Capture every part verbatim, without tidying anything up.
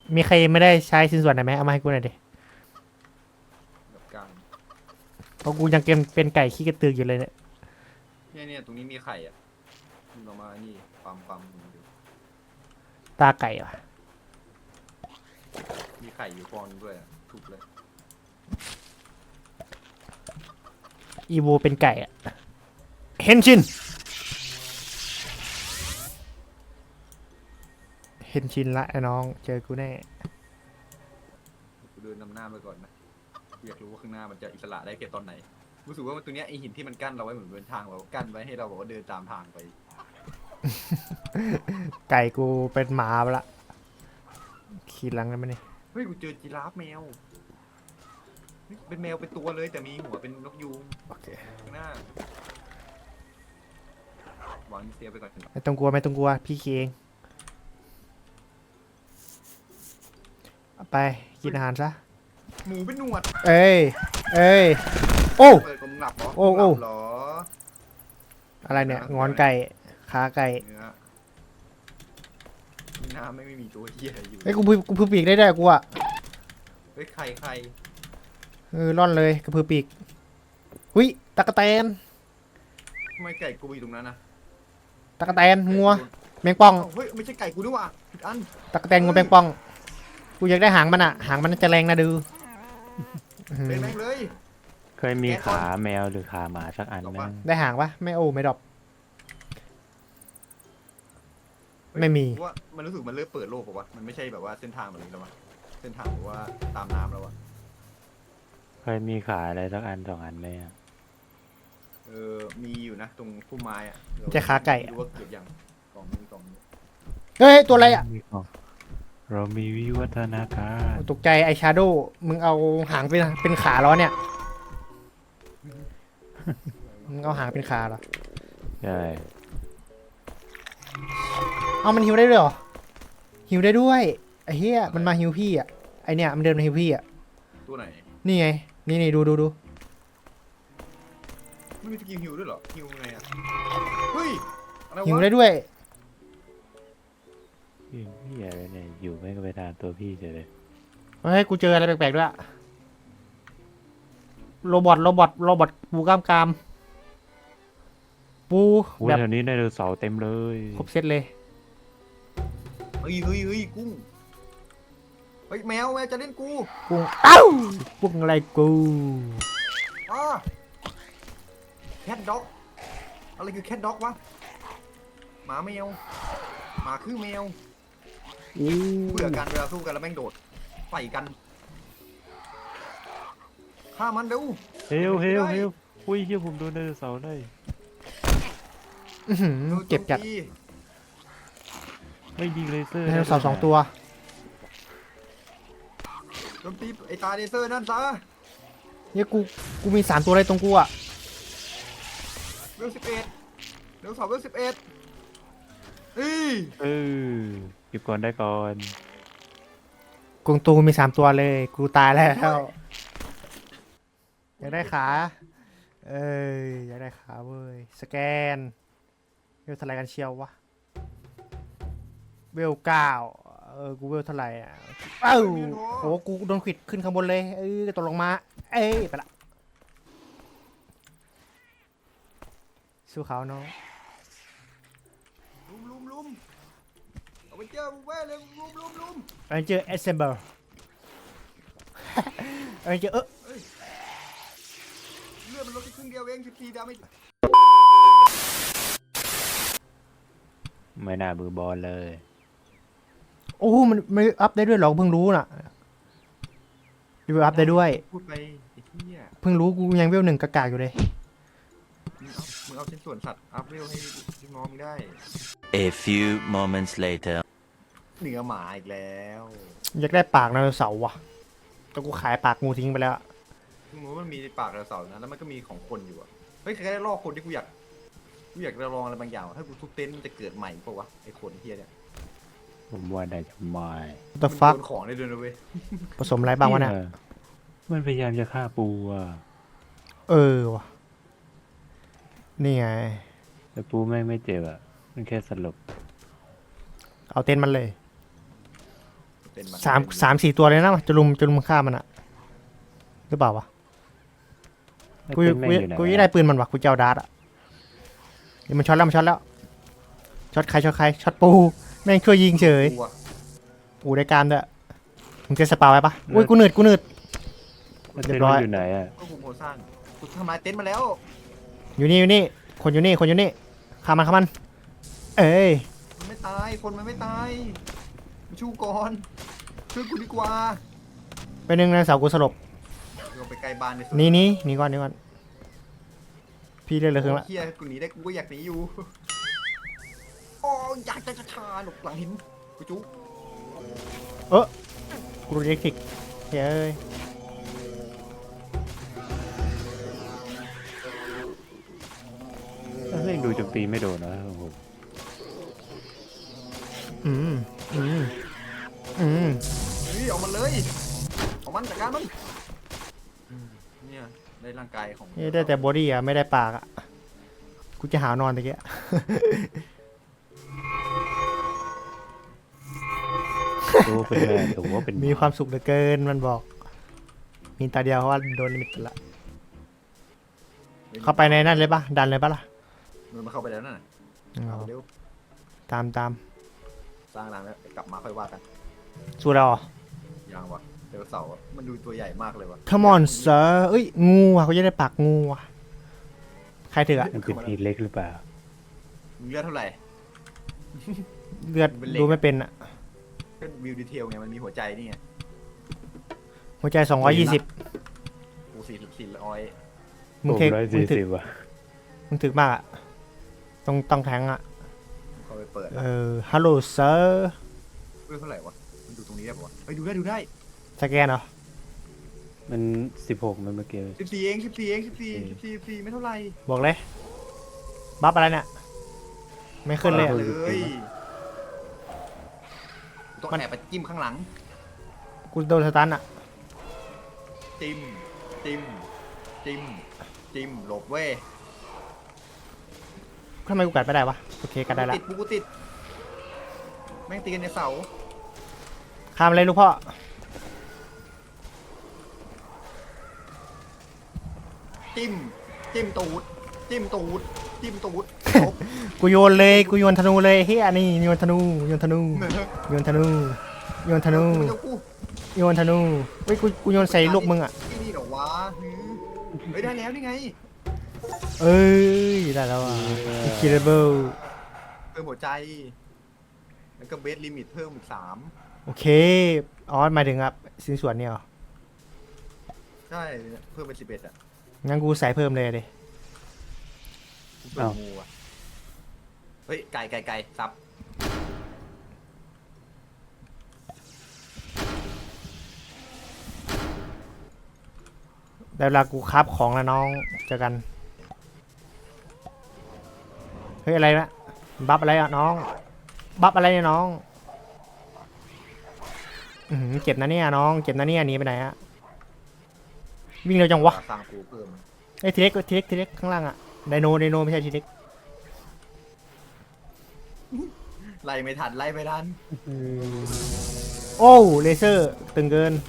มีใครไม่ได้ใช้ชิ้นส่วนไหนไหมเอามาให้กูหน่อยดิแบบกลางเพราะกูยังเกมเป็นไก่ขี้กระตือกอยู่เลยเนี่ยเนี่ยเนี่ยตรงนี้มีไข่อ่ะมึงเอามานี่ปั๊มปั๊มดูตาไก่ว่ะมีไข่อยู่ฟองนึงด้วยอะถูกเลยอีโวเป็นไก่อะเฮนชินเฮนชินละไอ้น้องเจอกูแน่กูเดินนำหน้าไปก่อนนะอยากรู้ว่าข้างหน้ามันจะอิสระได้แค่ตอนไหนรู้สึกว่าตัวเนี้ยไอหินที่มันกั้นเราไว้เหมือนเป็นทางเรากั้นไว้ให้เราบอกว่าเดินตามทางไปไก่กูเป็นหมาไปละขี่หลังได้ไหมนี่เฮ้ยกูเจอจีราฟแมวเฮ้ยเป็นแมวเป็นตัวเลยแต่มีหัวเป็นนกยูงโอเคข้างหน้าวางเสียไปก่อนไม่ต้องกลัวไม่ต้องกลัวพี่ขี่เองเอาไปกินอาหารซะหมูเป็นหนวดเอ้ยเอ้ยโอ้เปิดกลมหลับเหรอโอ้โอ้หลับเหรออะไรเนี่ยงอนไก่ขาไก่เนื้อนี่น้ำไม่ไม่มีตัวเหี้ยอะไรอยู่เฮ้ยกูพือกูพือปีกได้ด้วยกูอะเฮ้ยไข่ไข่เออร่อนเลยกระพือปีกหุยตะกะแตนทำไมไก่กูอยู่ตรงนั้นนะตะกะแตนงัวแมงป่องเอ้าเฮ้ยไม่ใช่ไก่กูด้วยว่ะผิดอันตะกะแตนงูแมงป่อง กูอยากได้หางมันอะหางมันจะแรงนะดูอื้อหือเป็นแม่งเลยเคยมีขาแมวหรือขาหมาสักอันไหมได้หางปะไม่โอ้ไม่ดรอป ไม่มีว่ามันรู้สึกมันเริ่มเปิดโลกป่าวะมันไม่ใช่แบบว่าเส้นทางแบบนี้แล้ววะเส้นทางแบบว่าตามน้ำแล้ววะเคยมีขาอะไรสักอันสองอันไหมอะเออมีอยู่นะตรงพุ่มไม้อะมันจะขาไก่อะม่รู้ว่าเกิดยังกล่องนี้กล่องนี้เฮ้ยตัวอะไรอะมีของเรามีวิวัฒนาการตกใจไอชาโดว์มึงเอาหางเป็นเป็นขาล้อเนี่ยมึงเอาหางเป็นขาเหรอใช่เอามันฮิวได้ด้วยเหรอฮิวได้ด้วยไอ้เหี้ยมันมาฮิวพี่อะไอเนี่ยมันเดินมาฮิวพี่อะตัวไหนนี่ไงนี่นี่ดูดูดูไม่มีสกิลฮิวด้วยเหรอฮิวไงอะเฮ้ยอะไรฮิววะได้ด้วยพี่พี่อะไรเนี่ยอยู่ไม่ก็ไปตามตัวพี่เฉยเลยเฮ้ยกูเจออะไรแปลกๆด้วยโรบอทโรบอทโรบอทปูกล้ามกรามปูโอ้ยแบบแถวนี้ไดโนเสาร์เต็มเลยครบเซตเลยเฮ้ยเฮ้ยเฮ้ยกุ้งเฮ้ยแมวแมวจะเล่นกูกูเอ้าพวกอะไรกูอ่าแคทด็อกอะไรคือแคทด็อกวะหมาแมวหมาคือแมวอู้เบื่อกันเวลาสู้กันแล้วแม่งโดดใส่กันฆ่ามันเร็วเฮลเฮลเฮลอุ้ยเฮียผมโดนไดโนเสาร์ได้อื้อหือโดนโจมตีเจ็บจัดไม่ยิงเลเซอร์ไดโนเสาร์สองตัวโจมตีไอ้ตาเลเซอร์นั่นซะเนี่ยกูกูมีสามตัวอะไรตรงกูอ่ะเวลสิบเอ็ดเวลสองเวลสิบเอ็ดเฮ้ยเออเก็บก่อนได้ก่อนกงตูมีสามตัวเลย กูตายแล้วอยากได้ขา เอ้ยอยากได้ขาเว้ยสแกนเวลเท่าไหร่กันเชียววะเวลเก้าเออกูเวลเท่าไหร่อ่ะเอ้าโหกูโดนขวิดขึ้นข้างบนเลยเออตกลงมา เอ้ยไปละสู้เขาเนาะลุมลุมลุมเอาไปเจอมึงเว้ยเลยลุมลุมลุมอันนี้เจอ assemble อันนี้เจอเออเลือดมันลดแค่ครึ่งเดียวเองสิบสี่ดาเมจไม่น่ามือบอลเลยโอ้มันไม่อัพได้ด้วยเหรอเพิ่งรู้น่ะดูอัพได้ด้วยพูดไปไอ้เหี้ยเพิ่งรู้กูยังเวลหนึ่งกากๆอยู่เลยมึงเอามึงเอาชิ้นส่วนสัตว์อัพเวลให้ลูกน้องมึงได้ A few moments later. เหนือหมาอีกแล้วอยากได้ปากไดโนเสาร์ว่ะแต่กูขายปากงูทิ้งไปแล้วมึงรู้ว่ามันมีปากกระเสานะแล้วมันก็มีของคนอยู่อะเฮ้ยใครได้ลอกคนที่กูอยากกูอยากจะลองอะไรบางอย่างถ้ากูทุบเต็นท์มันจะเกิดใหม่ปะวะไอ้คนเฮียเนี่ยผมว่าได้จะไม่ the มัน fuck โดนของได้ด้วยนะเว้ยผสมอะไรบ้างวะเนี่ยออมันพยายามจะฆ่าปูอ่ะเออว่ะนี่ไงแต่ปูแม่งไม่เจ็บอ่ะมันแค่สลบเอาเต็นท์มันเลยเเป็นนสามสามสี่ตัวเลยนะจะลุมจะลุมฆ่ามันอะหรือเปล่าวะไอ้กูเต้นกูแม่งอยู่ไหนกูยังได้ปืนมันวะกูจะเอาดาร์ตอะเดี๋ยวมันช็อตแล้วมันช็อตแล้วช็อตใครช็อตใครช็อตปูแม่งช่วยยิงเฉยกูอะปูได้การด้วยมึงจะสปาไว้ปะอุ้ยกูหนืดกูหนืดไอ้เรีเต้ยนบร้อยมันอยู่ไหนอ่ะก็กูโคสร้างกูทำลายเต็นท์มาแล้วอยู่นี่อยู่นี่คนอยู่นี่คนอยู่นี่ฆ่ามันฆ่ามัน เอ้ยมันไม่ตายคนมันไม่ตายมาชูก่อนช่วยกูดีกว่าไปหนึ่งในเสากูสลบลงไปไกลบ้านในสุดนี่นี่นี่ก่อนนี่ก่อนพี่เล่นเลยครึ่งละเฮียกูหนีได้กูก็อยากหนีอยู่โอ้ยอยากจะชาหลบหลังหินกูจุ๊เออกูเรียกทิกเฮ้ยเฮ้ยดูโจมตีไม่โดนนะโอ้โหอืมอืมอืมเฮ้ยเอามันเลยเอามันจัดการมันอืมเนี่ยได้ร่างกายของนี่ได้แต่บอดี้อะไม่ได้ปากอะกูจะหานอนตะเกียตัวเป็นแม่ตัวเป็นมีความสุขเหลือเกินมันบอก มีตาเดียวเพราะว่าโดนลิมิตไปละเข้าไปในนั่นเลยปะดันเลยปะล่ะมันมาเข้าไปแล้วนั่นน่ะเอาเอาเร็วตามตามสร้างรังแล้วกลับมาค่อยว่ากันสู้เราเหรอยังวะเดวเสาร์อะมันดูตัวใหญ่มากเลยวะ Come on sir เอ้ยงูอ่ะกูจะได้ปากงูอ่ะใครถืออะมันเป็นทีเล็กหรือเปล่ามึงเลือดเท่าไหร่เลือดเป็นเหล็กดูไม่เป็นอ่ะก็วิวดีเทลไงมันมีหัวใจนี่ไงหัวใจสองร้อยยี่สิบกูสี่สี่ร้อยมึงโอ้เทคร้อยมึสี่งถึสิกบว่ะมึงถึกมากอ่ะต้องต้องแทงอ่ะเข้าไปเปิดเออฮัลโหลเซอร์เลือดเท่าไหร่วะมันดูตรงนี้ได้ปะวะเฮ้ยดูได้ดูได้สแกนเหรอมันสิบหกมันเมื่อกี้สิบสี่เองสิบสี่เองสิบสี่สิบสี่สิบสี่ไม่เท่าไหร่บอกเลยบัฟอะไรเนี่ยไม่ขึ้นเลยอะเลยกูต้องแอบไปจิ้มข้างหลังกูโดนสตันอ่ะจิ้มจิ้มจิ้มจิ้มหลบเว้ยทำไมกูกัดไม่ได้วะโอเคกัดได้ละติดกูติดแม่งตีกันในเสาข้ามเลยลูกพ่อจิ้มจิ้มตูดจิ้มตูดจิ้มตูดจบกูโยนเลยกูโยนธนูเลยเฮียนี่โยนธนูโยนธนูโยนธนูโยนธนูไม่ต้องกูโยนธนูเฮ้ยกูกูโยนใส่ลูกมึงอ่ะที่นี่เหรอวะหือเฮ้ยได้แล้วนี่ไงเอ้ยได้แล้วอ่ะ incredible เพิ่มหัวใจ แล้วก็เบสลิมิตเพิ่มอีกสามโอเคอ๋อหมายถึงครับสินส่วนเนี่ยเหรอใช่เพิ่มเป็นสิบเอ็ดอ่ะงั้นกูใส่เพิ่มเลยดิเพิ่มงูอ่ะเฮ้ยไก่ไก่ไก่ซับได้เวลากูคราบของแล้วน้องเจอกันเฮ้ยอะไรนะบัฟอะไรอ่ะน้องบัฟอะไรเนี่ยน้องอือหือเจ็บนะเนี่ยน้องเจ็บนะเนี่ยหนีไปไหนอะวิ่งเร็วจังวะสร้างกูเพิ่มไอ้ยทีเล็กทีเล็กทีเล็กข้างล่างอะไดโนไดโนไม่ใช่ทีเล็กไล่ไม่ทันไล่ไม่ทันโอ้เลเซอร์ตึงเกิน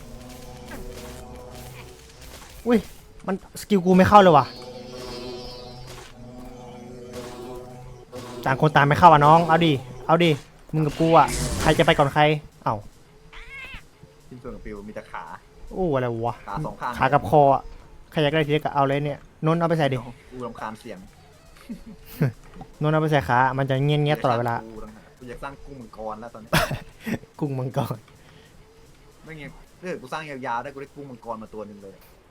อุ้ยมันสกิลกูไม่เข้าเลยว่ะต่างคนต่างไม่เข้าอ่ะน้องเอาดิเอาดิมึงกับกูอ่ะใครจะไปก่อนใครเอ้าชิ้นส่วนของปิวมีแต่ขาโอ้อะไรวะขาสองข้างขากับคออ่ะใครอยากได้ทีเล็กก็เอาเลยเนี่ยนนท์เอาไปใส่ดิกูรำคาญเสียงนนท์เอาไปใส่ขามันจะเงี้ยเงี้ยๆตลอดเวลากูอยากสร้างกุ้งมังกรแล้วตอนนี้กุ้งมังกรไม่งั้นถ้าเกิดกูสร้างยาวๆได้กูได้กุ้งมังกรมาตัวหนึงเลย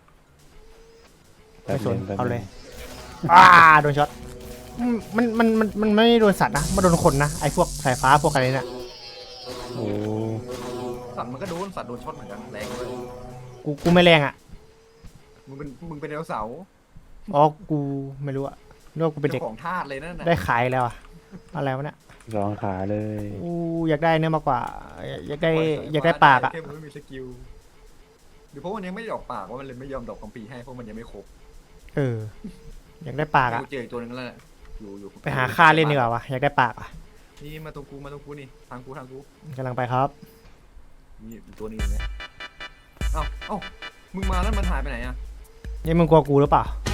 ไม่สนแป๊บเอานึงเลยอ้าโดนช็อตอืมมันมันมันมันไม่โดนสัตว์นะมันโดนคนนะไอ้พวกสายฟ้าพวกอะไรเนี่ยโอ้สัตว์มันก็โดนสัตว์โดนช็อตเหมือนกันแรงเลยกูกูไม่แรงอ่ะมึงเป็นมึงเป็นไดโนเสาร์อ๋อกูไม่รู้อ่ะนึกว่ากูเป็นเด็กจ้าของทาสเลยนั่นน่ะได้ขายแล้วอ่ะอะไรวะเนี่ยสองขาเลยอู้อยากได้เนื้อมากกว่าอยากได้อยากได้ปากอ่ะแค่มึงไม่มีสกิลหรือเพราะมันยังไม่ได้ออกปากว่ามันเลยไม่ยอมดอกคำปีให้เพราะมันยังไม่ครบเอออยากได้ปากอ่ะกูเจออีกตัวหนึงแล้วแหละอยู่อยู่ไปหาค่าเล่นดีกว่าวะอยากได้ปากอ่ะนี่มาตรงกูมาตรงกูนี่ทางกูทางกูกำลังไปครับมีตัวนี้อย่างเงี้ยเอ้าเอ้ามึงมาแล้วมันหายไปไหนอ่ะนี่มึงกลัวกูหรือเปล่า